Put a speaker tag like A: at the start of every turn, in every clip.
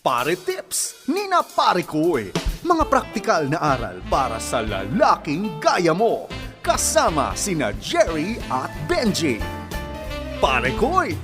A: Pare Tips ni na Pare Koy. Mga praktikal na aral para sa lalaking gaya mo. Kasama sina Jerry at Benji. Pare Koy.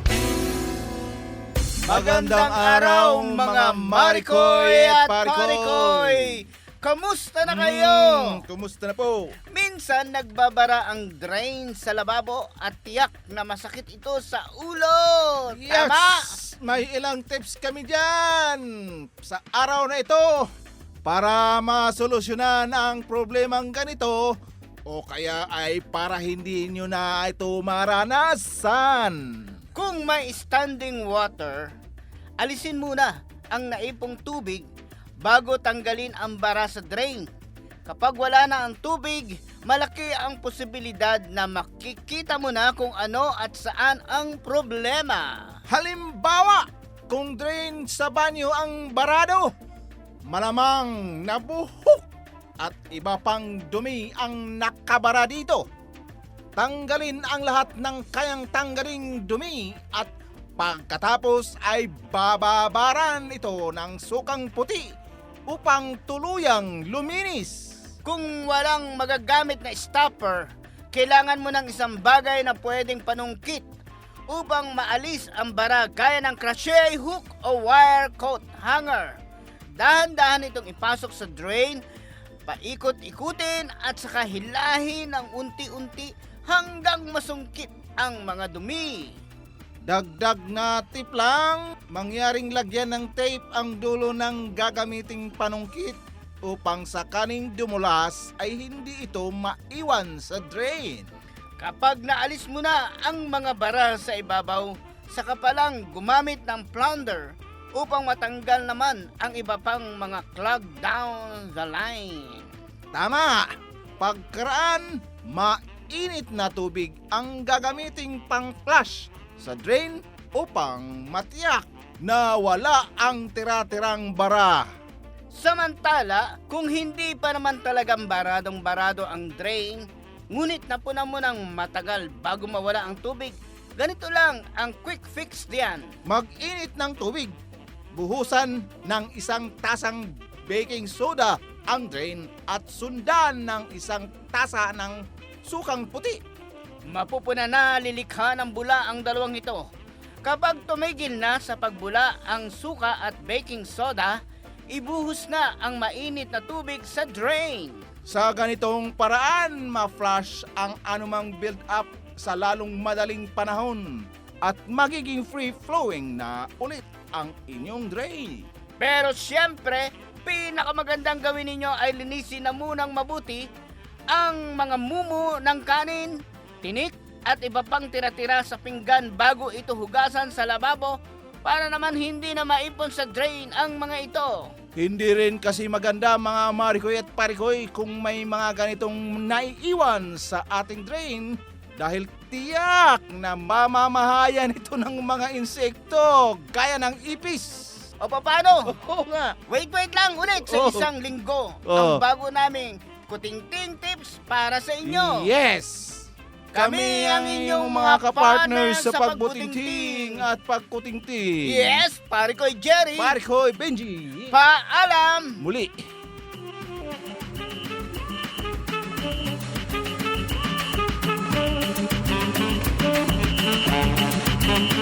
B: Magandang araw mga Marikoy at Parikoy! Kamusta na kayo?
C: Kumusta na po?
B: Minsan nagbabara ang drain sa lababo at tiyak na masakit ito sa ulo. Tama?
C: Yes! May ilang tips kami dyan sa araw na ito para masolusyonan ang problemang ganito o kaya ay para hindi nyo na ito maranasan.
B: Kung may standing water, alisin muna ang naipong tubig bago tanggalin ang bara sa drain. Kapag wala na ang tubig, malaki ang posibilidad na makikita mo na kung ano at saan ang problema.
C: Halimbawa, kung drain sa banyo ang barado, malamang nabuhok at iba pang dumi ang nakabara dito. Tanggalin ang lahat ng kayang tanggaling dumi at pagkatapos ay bababaran ito ng sukang puti upang tuluyang luminis.
B: Kung walang magagamit na stopper, kailangan mo ng isang bagay na pwedeng panungkit upang maalis ang bara gaya ng crochet hook o wire coat hanger. Dahan-dahan itong ipasok sa drain, paikot-ikutin at saka hilahin ng unti-unti hanggang masungkit ang mga dumi.
C: Dagdag na tip lang, mangyaring lagyan ng tape ang dulo ng gagamiting panungkit upang sakaling dumulas ay hindi ito maiwan sa drain.
B: Kapag naalis mo na ang mga bara sa ibabaw, saka pa lang gumamit ng plunger upang matanggal naman ang iba pang mga clog down the line.
C: Tama! Pagkaraan, mainit na tubig ang gagamiting pang-flush sa drain upang matiyak na wala ang tira-tirang bara.
B: Samantala, kung hindi pa naman talagang baradong-barado ang drain, ngunit napunan mo ng matagal bago mawala ang tubig, ganito lang ang quick fix diyan.
C: Mag-init ng tubig. Buhusan ng isang tasang baking soda ang drain at sundan ng isang tasa ng sukang puti.
B: Mapupuna na lilikha ng bula ang dalawang ito. Kapag tumigil na sa pagbula ang suka at baking soda, ibuhos na ang mainit na tubig sa drain.
C: Sa ganitong paraan, ma-flush ang anumang build-up sa lalong madaling panahon at magiging free-flowing na ulit ang inyong drain.
B: Pero siyempre, pinakamagandang gawin ninyo ay linisin na munang mabuti ang mga mumu ng kanin, tinik at iba pang tira-tira sa pinggan bago ito hugasan sa lababo para naman hindi na maipon sa drain ang mga ito.
C: Hindi rin kasi maganda mga Marikoy at Parikoy kung may mga ganitong naiiwan sa ating drain dahil tiyak na mamamahayan ito ng mga insekto gaya ng ipis.
B: O paano?
C: Oo nga.
B: Wait lang ulit sa
C: Oh.
B: isang linggo
C: Oh.
B: ang bago naming kutingting tips para sa inyo.
C: Yes! Kami ang inyong mga kapartners sa pagbutingting at pagkutingting.
B: Yes, pare ko Jerry.
C: Parikoy, Benji.
B: Paalam.
C: Muli.